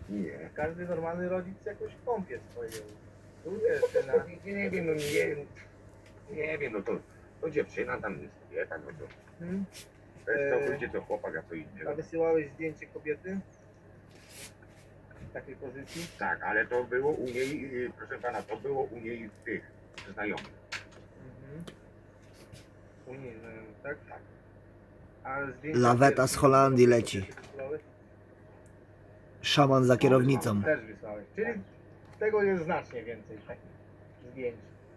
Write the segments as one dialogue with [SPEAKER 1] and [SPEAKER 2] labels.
[SPEAKER 1] Nie.
[SPEAKER 2] Każdy normalny rodzic jakoś kąpie swoją córkę, syna.
[SPEAKER 1] Nie wiem, nie wiem, no to dziewczyna tam jest kobieta, no to
[SPEAKER 2] Hmm?
[SPEAKER 1] to jest całkowicie co chłopak, a co innego.
[SPEAKER 2] A wysyłałeś zdjęcie kobiety? W takiej pozycji?
[SPEAKER 1] Tak, ale to było u niej, proszę pana, to było u niej w tych znajomych.
[SPEAKER 2] Mhm. U niej znajomych, tak? Tak. A zdjęcia
[SPEAKER 3] Laweta z Holandii
[SPEAKER 2] kobiety
[SPEAKER 3] leci.
[SPEAKER 2] wysyłałeś?
[SPEAKER 3] Szaman za kierownicą.
[SPEAKER 2] Też wysłałeś. Czyli tego jest znacznie więcej takich zdjęć.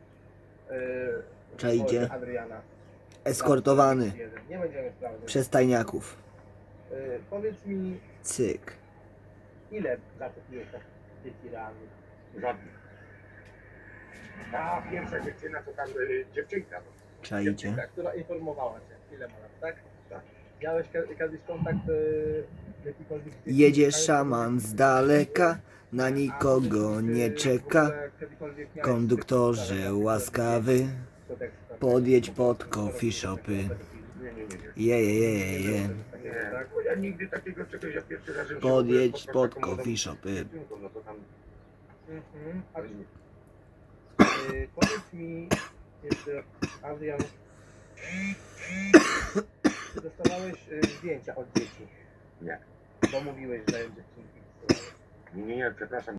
[SPEAKER 3] Czajcie.
[SPEAKER 2] Adriana.
[SPEAKER 3] Eskortowany
[SPEAKER 2] Nie będziemy sprawdzać.
[SPEAKER 3] przez tajniaków.
[SPEAKER 2] Powiedz mi,
[SPEAKER 3] Cyk.
[SPEAKER 2] ile zatopiłeś tych rannych?
[SPEAKER 1] Żadnych. Ta pierwsza dziewczyna, to tam dziewczynka. No.
[SPEAKER 3] Czajcie.
[SPEAKER 2] Dziewczynka, która informowała cię, ile ma lat, tak?
[SPEAKER 1] Tak.
[SPEAKER 2] Miałeś kiedyś kontakt jakikolwiek...
[SPEAKER 3] Jedzie szaman z daleka, na nikogo nie czeka. Konduktorze łaskawy, podjedź pod coffee shopy. Je.
[SPEAKER 1] Nie, bo ja nigdy takiego czegoś, ja pierwszy raz...
[SPEAKER 3] Podjedź pod coffee shopy.
[SPEAKER 1] No to tam...
[SPEAKER 2] Mhm. A powiedz mi jeszcze, Adrian, czy dostawałeś zdjęcia od dzieci?
[SPEAKER 1] Nie.
[SPEAKER 2] Bo mówiłeś, że dziewczynki wysyłałeś.
[SPEAKER 1] Nie, przepraszam.